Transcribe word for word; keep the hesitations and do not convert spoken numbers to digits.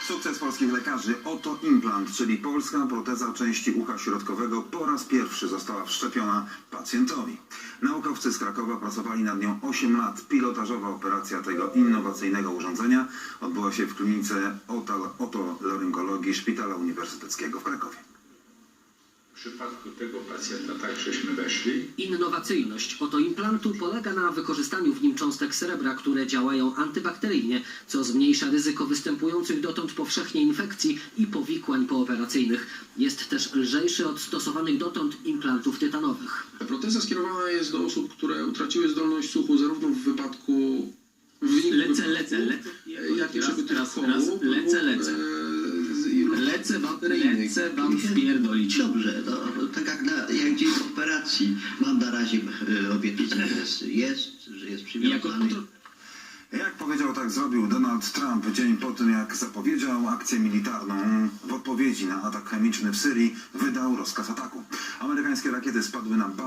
Sukces polskich lekarzy. Oto implant, czyli polska proteza części ucha środkowego, po raz pierwszy została wszczepiona pacjentowi. Naukowcy z Krakowa pracowali nad nią osiem lat. Pilotażowa operacja tego innowacyjnego urządzenia odbyła się w klinice otolaryngologii Szpitala Uniwersyteckiego w Krakowie. W przypadku tego pacjenta tak żeśmy weszli. Innowacyjność otoimplantu polega na wykorzystaniu w nim cząstek srebra, które działają antybakteryjnie, co zmniejsza ryzyko występujących dotąd powszechnie infekcji i powikłań pooperacyjnych. Jest też lżejszy od stosowanych dotąd implantów tytanowych. Proteza skierowana jest do osób, które utraciły zdolność słuchu zarówno w wypadku w wyniku Lecę, wypadku, lecę, lecę. jak i Raz, przebytych raz, chorób, raz. Lecę, lecę. e, z ilu- Lecę wam, bakteryjnych. lecę wam spierdolić. Dobrze, no, tak jak, na, jak dzień operacji mam na razie e, obietnicę, że jest, jest, że jest Jako przywiązany. kontro... Jak powiedział, tak zrobił Donald Trump dzień po tym, jak zapowiedział akcję militarną. W odpowiedzi na atak chemiczny w Syrii wydał rozkaz ataku. Amerykańskie rakiety spadły na